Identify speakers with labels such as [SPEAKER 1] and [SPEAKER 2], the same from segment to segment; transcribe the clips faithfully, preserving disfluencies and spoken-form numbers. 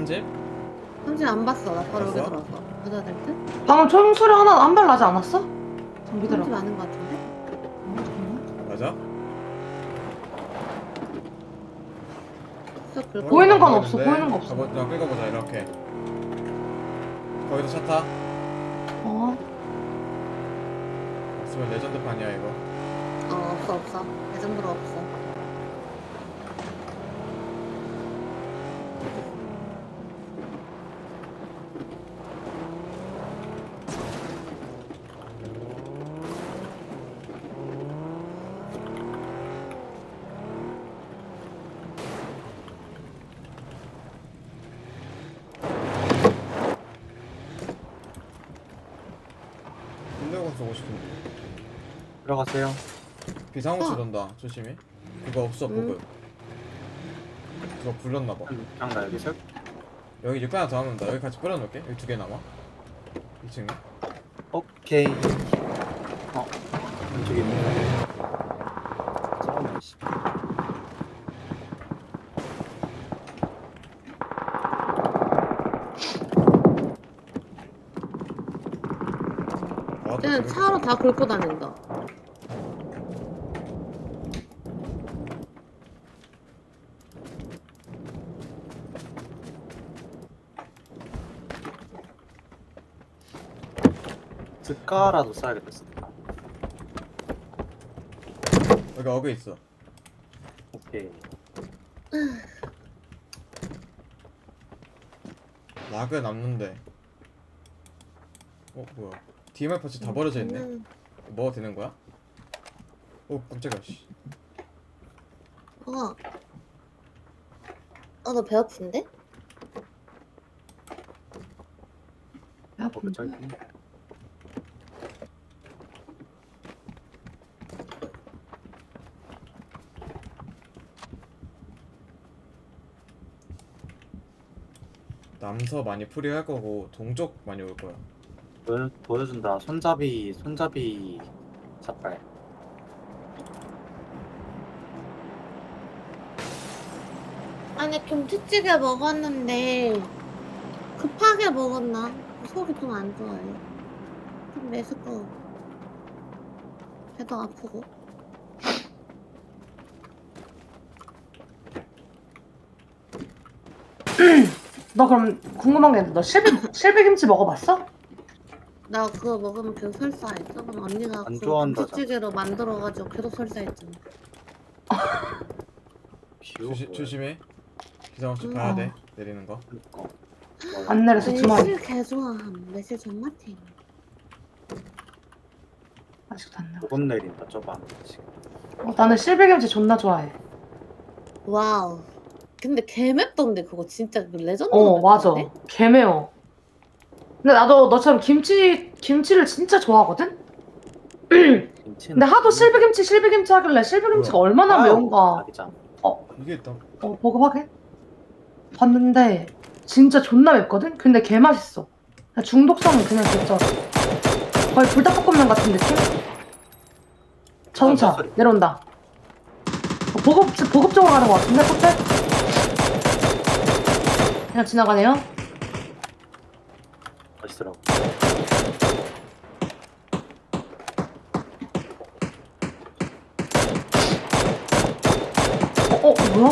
[SPEAKER 1] 집?
[SPEAKER 2] 삼진 안 봤어. 나 바로 여기
[SPEAKER 1] 봤어?
[SPEAKER 2] 들어왔어. 가져야 될 듯?
[SPEAKER 3] 방금 총소리 하나 한 발 나지 않았어? 장비들아.
[SPEAKER 2] 삼진 아는 거 같은데?
[SPEAKER 1] 맞아?
[SPEAKER 2] 쏙 긁고.
[SPEAKER 3] 보이는 건
[SPEAKER 1] 안
[SPEAKER 3] 없어,
[SPEAKER 1] 보이는데?
[SPEAKER 3] 보이는 거 없어.
[SPEAKER 1] 가보, 그냥 끌어보자 이렇게. 거기서 차 타?
[SPEAKER 3] 어.
[SPEAKER 1] 없으면 레전드판이야 이거.
[SPEAKER 2] 어 없어 없어. 레전드로 없어.
[SPEAKER 1] 군대공 쏘고 싶은데.
[SPEAKER 4] 들어가세요.
[SPEAKER 1] 비상호출
[SPEAKER 2] 어.
[SPEAKER 1] 돈다 조심히. 그거 없어
[SPEAKER 2] 음.
[SPEAKER 1] 보급. 그거 불렀나봐.
[SPEAKER 4] 그냥 나 여기 설.
[SPEAKER 1] 여기 육배 하나 더 하면 나 여기 같이 뿌려놓을게. 여기 두 개 남아. 이 층에.
[SPEAKER 4] 오케이. 어. 왼쪽에 있는 거. 싸우네 씨.
[SPEAKER 1] 아, 또
[SPEAKER 2] 쟤는
[SPEAKER 1] 재밌겠다.
[SPEAKER 2] 차로 다 긁고 다닌다.
[SPEAKER 4] 스카라도 써야겠다. 스카.
[SPEAKER 1] 여기 어그 있어.
[SPEAKER 4] 오케이.
[SPEAKER 1] 락은 남는데. 어 뭐야? 디엠알 파츠 다 버려져 있네.
[SPEAKER 2] 음,
[SPEAKER 1] 뭐가 되는 거야? 오 깜짝이야 씨.
[SPEAKER 2] 어. 어, 너 배 아픈데?
[SPEAKER 3] 야,
[SPEAKER 4] 어, 저기.
[SPEAKER 1] 남서 많이 풀이할 거고 동쪽 많이 올 거야.
[SPEAKER 4] 보여, 보여준다. 손잡이, 손잡이 삭발.
[SPEAKER 2] 아니 김치찌개 먹었는데 급하게 먹었나? 속이 좀 안 좋아요. 좀 메스꺼워. 배도 아프고.
[SPEAKER 3] 너 그럼 궁금한 게 있는데 너 실비, 실비김치 먹어봤어?
[SPEAKER 2] 나 그거 먹으면 계속 설사해. 저번 언니가
[SPEAKER 4] 안
[SPEAKER 2] 그
[SPEAKER 4] 좋아한다잖아.
[SPEAKER 2] 김치찌개로 만들어가지고 계속 설사했잖아.
[SPEAKER 4] 비오.
[SPEAKER 1] 조시, 조심해. 비상호출
[SPEAKER 2] 음.
[SPEAKER 1] 봐야 돼.
[SPEAKER 3] 어.
[SPEAKER 1] 내리는 거.
[SPEAKER 4] 그니까.
[SPEAKER 3] 안 내려서 주머니.
[SPEAKER 2] 매실 개 좋아함. 매실 존맛해.
[SPEAKER 3] 아직도 안 내려.
[SPEAKER 4] 두번 내린다. 저봐. 지금.
[SPEAKER 3] 어, 나는 실비김치 존나 좋아해.
[SPEAKER 2] 와우. 근데 개 맵던데 그거 진짜 그 레전드.
[SPEAKER 3] 어, 맞아. 개 매워. 근데 나도 너처럼 김치, 김치를 진짜 좋아하거든?
[SPEAKER 4] 김치는
[SPEAKER 3] 근데 하도 실비김치, 실비김치 하길래 실비김치가 얼마나 매운가.
[SPEAKER 4] 자기장.
[SPEAKER 1] 이게 있다.
[SPEAKER 3] 어, 보고 확인? 봤는데 진짜 존나 맵거든? 근데 개 맛있어. 그냥 중독성은 그냥 진짜 거의 불닭볶음면 같은 느낌? 자동차
[SPEAKER 4] 소리.
[SPEAKER 3] 내려온다. 어, 보급, 보급 쪽으로 가는 것 같은데? 커플? 그냥 지나가네요.
[SPEAKER 4] 맛있더라고.
[SPEAKER 3] 어, 어, 뭐야?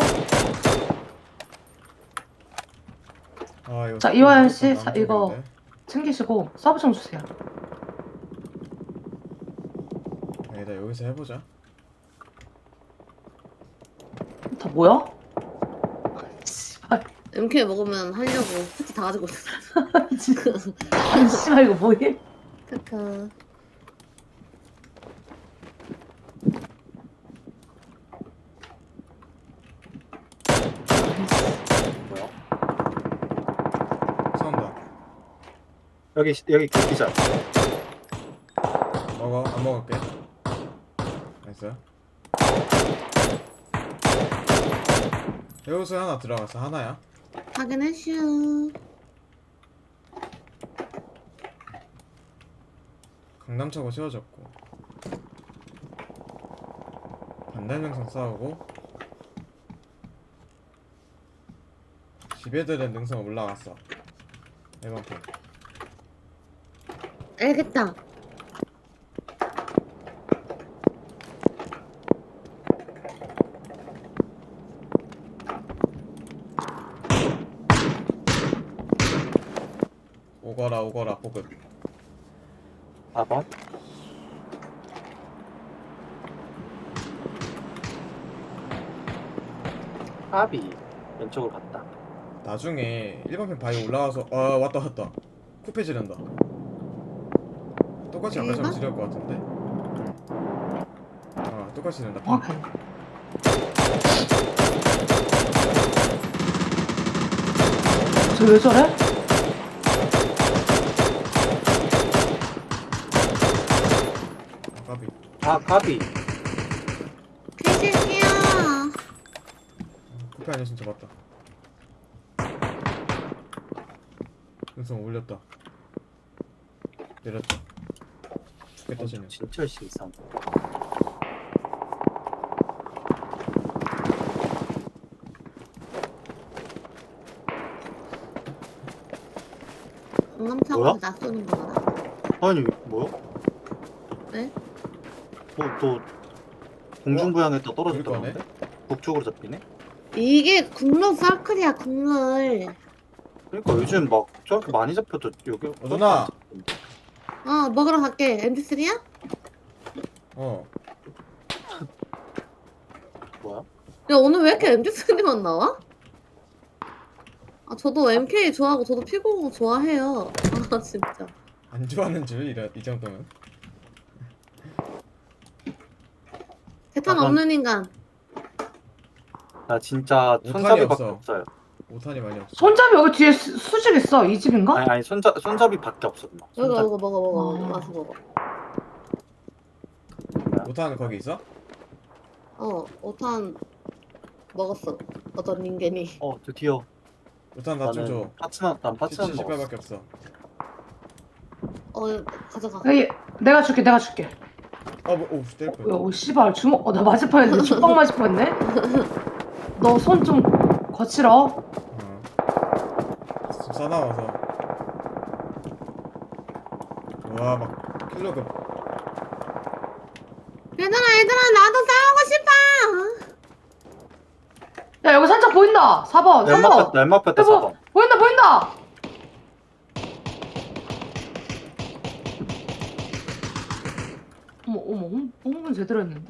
[SPEAKER 1] 아 이거.
[SPEAKER 3] 자, 이화연 씨,
[SPEAKER 1] 남쪽인데?
[SPEAKER 3] 자, 이거. 챙기시고 서브 좀 주세요.
[SPEAKER 1] 아니다 여기서 해보자.
[SPEAKER 3] 다 뭐야? 씨발,
[SPEAKER 2] 엠케이 먹으면 하려고 패티 다 가지고 있어.
[SPEAKER 3] 아니, 씨발, 이거 뭐해?
[SPEAKER 2] 크크.
[SPEAKER 4] 뭐야?
[SPEAKER 1] 싸운다.
[SPEAKER 4] 여기 여기 그 기자.
[SPEAKER 1] 먹어 안 먹을게. 나이스. 여기서 하나 들어갔어. 하나야.
[SPEAKER 2] 확인했슈.
[SPEAKER 1] 강남차고 세워졌고 반대명상 싸우고 집애들은 능선 올라갔어. 일 번 핑.
[SPEAKER 2] 알겠다.
[SPEAKER 1] 오거라 오거라 보급.
[SPEAKER 4] 사 번. 까비. 왼쪽으로 갔다.
[SPEAKER 1] 나중에 일 번 핑 바위 올라가서 아 왔다 왔다. 쿠페 지른다. 똑같이 아까처럼
[SPEAKER 2] 일 번?
[SPEAKER 1] 지를 것 같은데. 응. 아 똑같이 지른다.
[SPEAKER 3] 어,
[SPEAKER 1] 핑.
[SPEAKER 3] 쟤왜 저래?
[SPEAKER 1] 아, 까비.
[SPEAKER 4] 아 까비.
[SPEAKER 2] 퀴즈게요.
[SPEAKER 1] 쿠페 아니었으면 잡았다. 능선 올렸다. 내렸다. 죽겠다 쟤는.
[SPEAKER 4] 진짜 실상.
[SPEAKER 2] 방금
[SPEAKER 4] 뭐야?
[SPEAKER 2] 차고 나 쏘는 거구나.
[SPEAKER 4] 아니 뭐야?
[SPEAKER 2] 네?
[SPEAKER 4] 뭐또 공중부양했다 떨어졌다는데?
[SPEAKER 1] 그러네.
[SPEAKER 4] 북쪽으로 잡히네?
[SPEAKER 2] 이게 국룰 서클이야 국룰.
[SPEAKER 4] 그러니까 요즘 막 저렇게 많이 잡혀도 여기
[SPEAKER 1] 어, 누나!
[SPEAKER 2] 어 먹으러 갈게. 엠피쓰리야?
[SPEAKER 1] 어.
[SPEAKER 4] 뭐야?
[SPEAKER 2] 야 오늘 왜 이렇게 엠피쓰리만 나와? 아 저도 엠케이 좋아하고 저도 피구공 좋아해요. 아 진짜.
[SPEAKER 1] 안 좋아하는 줄 이래 이 정도면.
[SPEAKER 2] 대탄
[SPEAKER 4] 아, 그럼-
[SPEAKER 2] 없는 인간.
[SPEAKER 4] 나 진짜
[SPEAKER 1] 오탄이
[SPEAKER 4] 손잡이밖에
[SPEAKER 1] 없어.
[SPEAKER 4] 없어요.
[SPEAKER 1] 오탄이 많이 없어.
[SPEAKER 3] 손잡이 여기 뒤에 수, 수직 있어. 이 집인가?
[SPEAKER 4] 아니 아니 손잡 손잡이밖에 없어 누나.
[SPEAKER 2] 이거
[SPEAKER 4] 손잡이.
[SPEAKER 2] 이거 먹어 먹어
[SPEAKER 3] 아.
[SPEAKER 2] 와서 먹어.
[SPEAKER 1] 오탄 거기 있어?
[SPEAKER 2] 어 오탄 먹었어. 어떤 인간이.
[SPEAKER 4] 어 드디어
[SPEAKER 1] 오탄 나 좀 줘.
[SPEAKER 4] 나는 파츠만 난 파츠만
[SPEAKER 1] 칠십
[SPEAKER 4] 먹었어.
[SPEAKER 1] 발밖에 없어.
[SPEAKER 2] 어 가져가.
[SPEAKER 3] 에이, 내가 줄게, 내가 줄게.
[SPEAKER 1] 아 뭐, 오 때릴
[SPEAKER 3] 어,
[SPEAKER 1] 뻔.
[SPEAKER 3] 야, 오, 씨발, 주먹, 어, 나 맞을 뻔했는데, 죽방 맞을 뻔했네? 너 손 좀 거칠어.
[SPEAKER 1] 어. 좀 싸나워서. 와 막 킬로그.
[SPEAKER 2] 얘들아 얘들아 나도 싸우고 싶어.
[SPEAKER 3] 야, 여기 살짝 보인다. 사 번, 삼
[SPEAKER 4] 연막
[SPEAKER 3] 번.
[SPEAKER 4] 뺐다 연막 뺐다
[SPEAKER 3] 여보,
[SPEAKER 4] 사 번.
[SPEAKER 3] 보인다, 보인다! 어머, 어머, 홍, 홍분 제대로 했는데?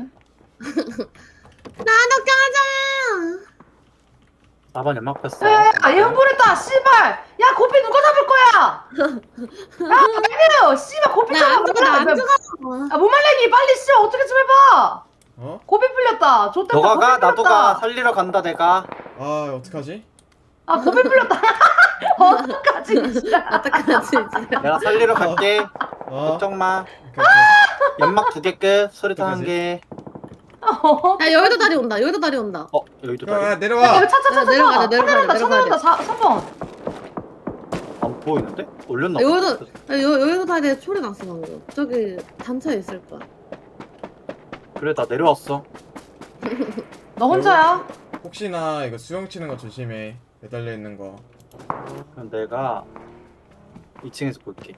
[SPEAKER 2] 나도 껴줘.
[SPEAKER 4] 사 번 연막 뺐어.
[SPEAKER 3] 야, 야, 얘 흥분했다, 씨발! 야, 고삐 누가 잡을 거야! 야, 아니에요! 씨발, 고삐 잡아!
[SPEAKER 2] 나안 죽어 나안 죽어.
[SPEAKER 3] 야, 모말랭이, 빨리 씨발, 어떻게 좀 해봐!
[SPEAKER 1] 어?
[SPEAKER 3] 고삐 풀렸다. 좆 때문에
[SPEAKER 4] 너가 가
[SPEAKER 3] 고삐
[SPEAKER 4] 나도
[SPEAKER 3] 풀렸다.
[SPEAKER 4] 가 살리러 간다 내가.
[SPEAKER 1] 아 어떡하지?
[SPEAKER 3] 아, 고삐 풀렸다. 어떡하지, 진짜.
[SPEAKER 2] 어떡하지 진짜.
[SPEAKER 4] 내가 살리러 갈게.
[SPEAKER 1] 어?
[SPEAKER 4] 걱정 마.
[SPEAKER 1] 오케이, 오케이.
[SPEAKER 4] 연막 두 개 끝. 수류탄 한
[SPEAKER 1] 어떡하지?
[SPEAKER 4] 개.
[SPEAKER 3] 어.
[SPEAKER 2] 야 여의도 다리 온다. 여의도 다리 온다.
[SPEAKER 4] 어 여기도
[SPEAKER 1] 야, 야
[SPEAKER 4] 다리.
[SPEAKER 3] 야,
[SPEAKER 1] 내려와.
[SPEAKER 3] 여기 차, 차, 차,
[SPEAKER 2] 야,
[SPEAKER 3] 차,
[SPEAKER 2] 내려가야
[SPEAKER 3] 차.
[SPEAKER 2] 돼, 내려가야 돼,
[SPEAKER 3] 차
[SPEAKER 2] 내려가야
[SPEAKER 3] 내려간다, 사, 삼 번.
[SPEAKER 4] 안 보이는데? 올렸나?
[SPEAKER 2] 야,
[SPEAKER 4] 보다.
[SPEAKER 2] 여의도 야, 여, 여의도 다리에 소리 났어 방금. 저기 단차에 있을 거야.
[SPEAKER 4] 그래 나 내려왔어.
[SPEAKER 3] 너 혼자야?
[SPEAKER 1] 혹시나 이거 수영 치는 거 조심해. 매달려 있는 거.
[SPEAKER 4] 그럼 내가 이 층에서 볼게.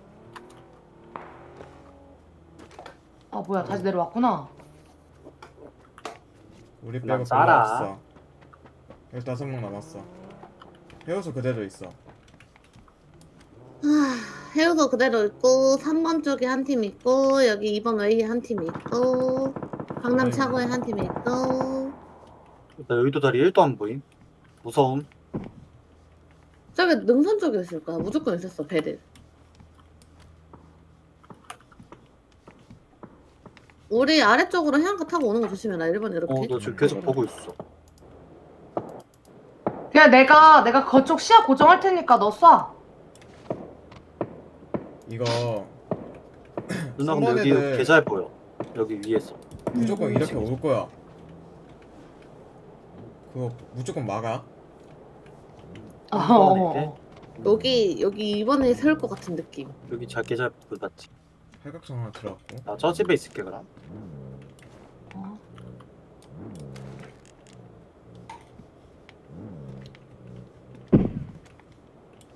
[SPEAKER 3] 아, 뭐야, 다시 내려왔구나.
[SPEAKER 1] 우리
[SPEAKER 4] 난
[SPEAKER 1] 빼고 별로
[SPEAKER 4] 짜라.
[SPEAKER 1] 없어. 열다섯 명 남았어. 해우소 그대로 있어.
[SPEAKER 2] 하, 해우도 그대로 있고 삼 번 쪽에 한 팀 있고 여기 이 번 웨이에 한 팀 있고 강남 차고에 한 팀 있고
[SPEAKER 4] 나 여의도 다리 일도 안 보임. 무서움.
[SPEAKER 2] 저기 능선 쪽에 있을 거야. 무조건 있었어 배를. 우리 아래쪽으로 해안가 타고 오는 거 조심해라. 일 번 이렇게.
[SPEAKER 4] 어 너 지금 계속 보고 있어.
[SPEAKER 3] 그냥 내가, 내가 그쪽 시야 고정할 테니까 너 쏴.
[SPEAKER 1] 이거
[SPEAKER 4] 누나
[SPEAKER 1] 삼
[SPEAKER 4] 근데
[SPEAKER 1] 번
[SPEAKER 4] 여기
[SPEAKER 1] 애들
[SPEAKER 4] 개 잘 보여. 여기 위에서.
[SPEAKER 1] 무조건
[SPEAKER 2] 음,
[SPEAKER 1] 이렇게 올 거야. 그거 무조건 막아.
[SPEAKER 3] 어,
[SPEAKER 4] 한 번에
[SPEAKER 3] 어,
[SPEAKER 4] 돼?
[SPEAKER 3] 어.
[SPEAKER 2] 여기 여기 이번에 세울 것 같은 느낌.
[SPEAKER 4] 여기 잘개 잘 보여 봤지.
[SPEAKER 1] 팔각정 하나 들어갔고.
[SPEAKER 4] 나 저 집에 있을게 그럼.